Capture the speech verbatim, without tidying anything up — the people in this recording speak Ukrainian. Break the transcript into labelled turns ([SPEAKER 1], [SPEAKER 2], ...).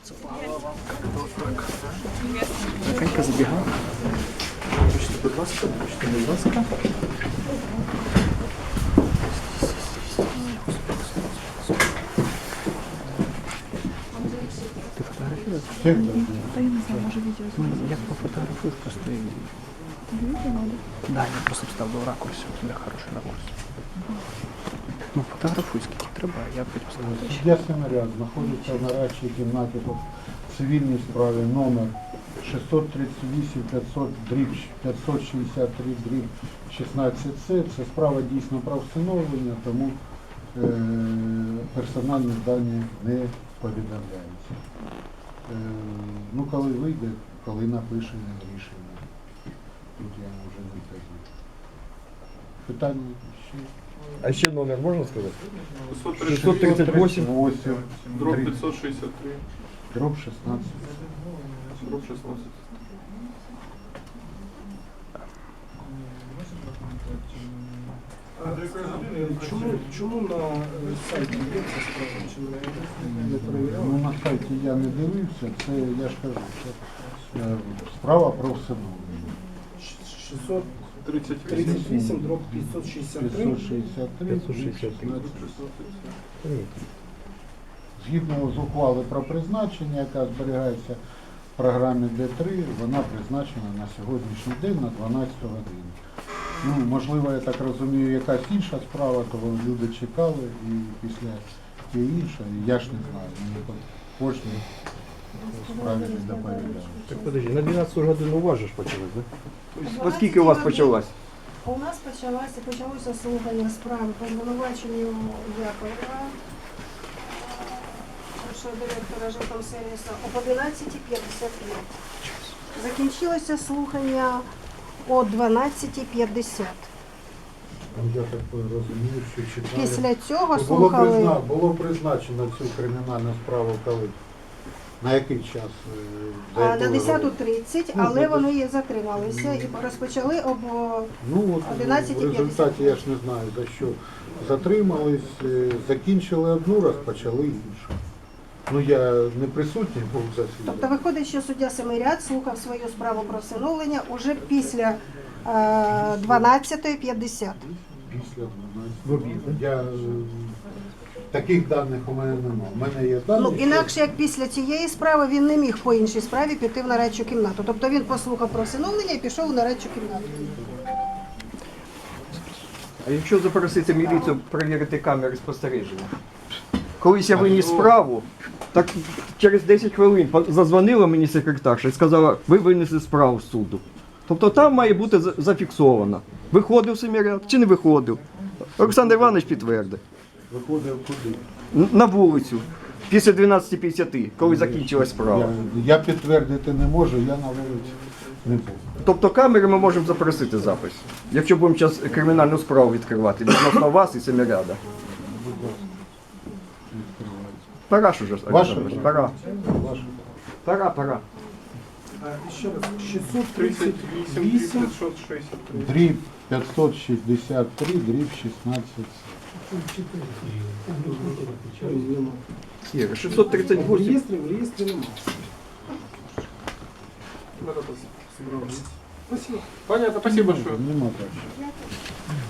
[SPEAKER 1] Тихенько забігав. Почти, будь ласка, почти, будь ласка. Ти фотографуєш?
[SPEAKER 2] Та я не знаю, може відео
[SPEAKER 1] Ну, як пофотографуєш, просто і...
[SPEAKER 2] Тобі відео надо?
[SPEAKER 1] Да, я просто вставив ракурс, у тебе хороший ракурс. Ну, фотографуй, скільки треба, а я потім ставлю.
[SPEAKER 3] Суддя наряд знаходиться в нарадчій кімнаті по цивільній справі номер шістсот тридцять вісім п'ятсот п'ятсот шістдесят три дріб шістнадцять С. Це справа дійсно про встановлення, тому е, персональні дані не повідомляються. Е, ну, коли вийде, коли напише рішення. Тут я вже не кажу. Питання ще?
[SPEAKER 4] А ще номер можна сказати?
[SPEAKER 5] шістсот тридцять
[SPEAKER 4] шістсот тридцять
[SPEAKER 3] восемь,
[SPEAKER 5] дроб п'ятсот шістдесят три,
[SPEAKER 3] дроб шістнадцять.
[SPEAKER 5] дроб шістнадцять.
[SPEAKER 6] Чому, чому на е, сайті є ця справа, чи не, не перевіряли?
[SPEAKER 3] Ну, на сайті я не дивився, це я ж кажу, це е, справа про встановлення.
[SPEAKER 6] шістсот
[SPEAKER 5] тридцять
[SPEAKER 6] тридцять вісім дроб п'ятсот шістдесят три.
[SPEAKER 3] п'ятсот шістдесят три,
[SPEAKER 4] п'ятсот шістдесят три.
[SPEAKER 3] Згідно з ухвали про призначення, яка зберігається в програмі Д три, вона призначена на сьогоднішній день на дванадцяту годину. Ну, можливо, я так розумію, якась інша справа, то люди чекали і після тієї іншої, я ж не знаю, мені по кожній справі не доповідали.
[SPEAKER 4] Так подожди, на дванадцяту годину у вас же ж почалось, да? Тобто, оскільки у вас почалось?
[SPEAKER 7] У нас почалося, почалося слухання справи по звинуваченню Яковлева, першого директора жилкомсервісу, об одинадцятій п'ятдесят п'ять. Закінчилося слухання о дванадцятій п'ятдесят.
[SPEAKER 3] Я так розумію, що чекали.
[SPEAKER 7] Після цього
[SPEAKER 3] Було,
[SPEAKER 7] слухали
[SPEAKER 3] призна... Було призначено цю кримінальну справу коли? На який час? е, за
[SPEAKER 7] а,
[SPEAKER 3] яку
[SPEAKER 7] на
[SPEAKER 3] ви
[SPEAKER 7] десяту
[SPEAKER 3] говорите?
[SPEAKER 7] тридцять,
[SPEAKER 3] Ну,
[SPEAKER 7] але
[SPEAKER 3] ну,
[SPEAKER 7] вони і затрималися і розпочали об
[SPEAKER 3] Ну от
[SPEAKER 7] одинадцятій
[SPEAKER 3] в результаті я ж не знаю, за що затримались, е, закінчили одну, розпочали іншу. Ну я не присутній був в
[SPEAKER 7] Тобто
[SPEAKER 3] засіданні.
[SPEAKER 7] виходить, що суддя Семиряд слухав свою справу про всиновлення уже після е, дванадцятої п'ятдесят.
[SPEAKER 3] Після дванадцятого. Я, е, таких даних у мене немає. У мене є дані.
[SPEAKER 7] Ну,
[SPEAKER 3] що-
[SPEAKER 7] інакше, як після цієї справи, він не міг по іншій справі піти в нарадчу кімнату. Тобто він послухав про всиновлення і пішов у нарадчу кімнату.
[SPEAKER 4] А якщо запросити міліцію перевірити камери спостереження? Колись я виніс справу, так через десять хвилин по- задзвонила мені секретарша і сказала, ви винесли справу з суду. Тобто там має бути за- зафіксовано. Виходив Семиряд чи не виходив? Олександр Іванович підтвердив.
[SPEAKER 3] Виходив куди?
[SPEAKER 4] Н- На вулицю. Після дванадцяти п'ятдесят, коли закінчилась справа.
[SPEAKER 3] Я, я підтвердити не можу, я на вулиці не був.
[SPEAKER 4] Тобто камери ми можемо запросити запис. Якщо будемо зараз кримінальну справу відкривати відносно вас і Семиряда. Пора ж уже,
[SPEAKER 3] Ваше?
[SPEAKER 4] Олександр, пора.
[SPEAKER 3] Ваше.
[SPEAKER 4] Пора, пора.
[SPEAKER 6] А, ще раз, шістсот
[SPEAKER 5] тридцять
[SPEAKER 6] тридцять
[SPEAKER 5] вісім,
[SPEAKER 6] вісім.
[SPEAKER 5] п'ятсот шістдесят три.
[SPEAKER 3] Дріб п'ятсот шістдесят три, дріб шістнадцять.
[SPEAKER 4] Ігор, шістсот тридцять
[SPEAKER 6] В
[SPEAKER 4] вісім.
[SPEAKER 6] реєстрі, в реєстрі немає.
[SPEAKER 5] Спасибо. Понятно, спасибо большое.
[SPEAKER 3] Нема так.